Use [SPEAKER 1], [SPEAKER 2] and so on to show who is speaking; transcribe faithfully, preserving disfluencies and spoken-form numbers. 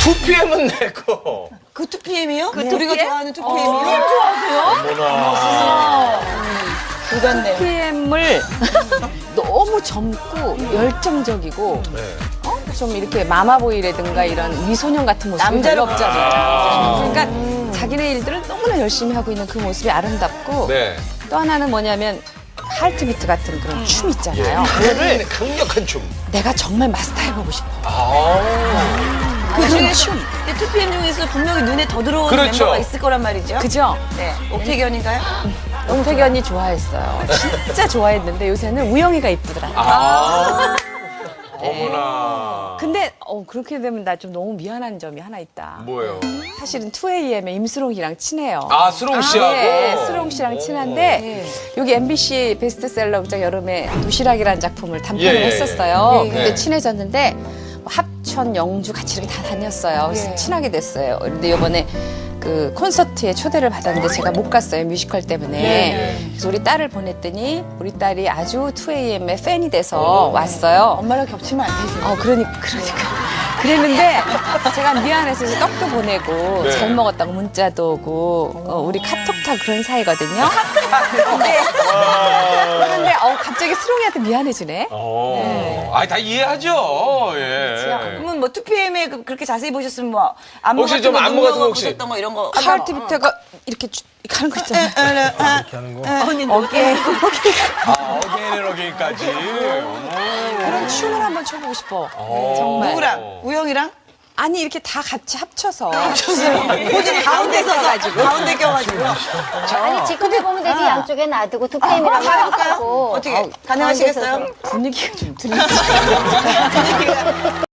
[SPEAKER 1] 투피엠은 내 거.
[SPEAKER 2] 그 투피엠이요?
[SPEAKER 3] 그
[SPEAKER 2] 우리가
[SPEAKER 3] 투피엠?
[SPEAKER 2] 좋아하는 투피엠이요?
[SPEAKER 3] 어, 투피엠 좋아하세요?
[SPEAKER 1] 어머나.
[SPEAKER 2] 불같네요.
[SPEAKER 3] 티엠을 너무 젊고 열정적이고
[SPEAKER 1] 네.
[SPEAKER 3] 어? 좀 이렇게 마마보이라든가 이런 미소년 같은 모습이 별로
[SPEAKER 2] 남자롭죠.
[SPEAKER 3] 없잖아요. 그러니까 자기네 일들을 너무나 열심히 하고 있는 그 모습이 아름답고
[SPEAKER 1] 네.
[SPEAKER 3] 또 하나는 뭐냐면 하트비트 같은 그런 춤 있잖아요.
[SPEAKER 1] 예.
[SPEAKER 3] 그거를
[SPEAKER 1] 강력한 춤.
[SPEAKER 3] 내가 정말 마스터해보고 싶어.
[SPEAKER 1] 아.
[SPEAKER 2] 그 중에
[SPEAKER 3] 춤.
[SPEAKER 2] 근데 투피엠 중에서 분명히 눈에 더 들어오는
[SPEAKER 1] 그렇죠.
[SPEAKER 2] 멤버가 있을 거란 말이죠.
[SPEAKER 3] 그죠?
[SPEAKER 2] 네. 옥태견인가요?
[SPEAKER 3] 옥태견이 좋아했어요. 진짜 좋아했는데 요새는 우영이가 이쁘더라.
[SPEAKER 1] 아. 어머나.
[SPEAKER 3] 근데 어, 그렇게 되면 나 좀 너무 미안한 점이 하나 있다.
[SPEAKER 1] 뭐예요?
[SPEAKER 3] 사실은 투에이엠의 임수롱이랑 친해요.
[SPEAKER 1] 아, 수롱 씨하고.
[SPEAKER 3] 네, 수롱 씨랑 친한데 여기 엠비씨 베스트셀러 극장 여름에 도시락이라는 작품을 단편을
[SPEAKER 1] 예, 예,
[SPEAKER 3] 했었어요.
[SPEAKER 1] 예.
[SPEAKER 3] 근데
[SPEAKER 1] 네.
[SPEAKER 3] 친해졌는데 뭐 합천, 영주 같이 이렇게 다 다녔어요. 그래서 친하게 됐어요. 근데 이번에 그 콘서트에 초대를 받았는데 제가 못 갔어요. 뮤지컬 때문에. 그래서 우리 딸을 보냈더니 우리 딸이 아주 투에이엠의 팬이 돼서 왔어요.
[SPEAKER 2] 엄마랑 겹치면 안 되죠.
[SPEAKER 3] 어, 그러니까, 그러니까. 그랬는데, 제가 미안해서 이제 떡도 보내고,
[SPEAKER 1] 네.
[SPEAKER 3] 잘 먹었다고 문자도 오고, 어, 우리 카톡 타 그런 사이거든요. 근데, 그런데, 어, 갑자기 수롱이한테 미안해지네.
[SPEAKER 1] 어. 아, 다 이해하죠. 예.
[SPEAKER 2] 그러면 뭐 투피엠에 그- 그렇게 자세히 보셨으면 뭐 안무
[SPEAKER 1] 혹시
[SPEAKER 2] 같은
[SPEAKER 1] 좀
[SPEAKER 2] 거
[SPEAKER 1] 안무
[SPEAKER 2] 눈
[SPEAKER 1] 같은 거
[SPEAKER 2] 먹어
[SPEAKER 1] 혹시?
[SPEAKER 2] 보셨던 거 이런 거
[SPEAKER 3] 하트비트가 이렇게, 쭉 이렇게 하는 거 있잖아요.
[SPEAKER 2] 이렇게 하는 거. 언니 어깨.
[SPEAKER 1] 아, 어게인 어게인까지.
[SPEAKER 3] 그런 춤을 한번 춰보고 싶어.
[SPEAKER 1] 어.
[SPEAKER 3] 정말.
[SPEAKER 2] 누구랑? 우영이랑?
[SPEAKER 3] 아니, 이렇게 다 같이 합쳐서.
[SPEAKER 2] 모두 가운데 서가지고 가운데 껴가지고.
[SPEAKER 4] 아니 지금 해보면 되지 양쪽에 놔두고 투피엠이라고
[SPEAKER 2] 한번 해볼까요?
[SPEAKER 4] 하고
[SPEAKER 2] 어떻게 가능하시겠어요?
[SPEAKER 3] 분위기가 좀 들리지.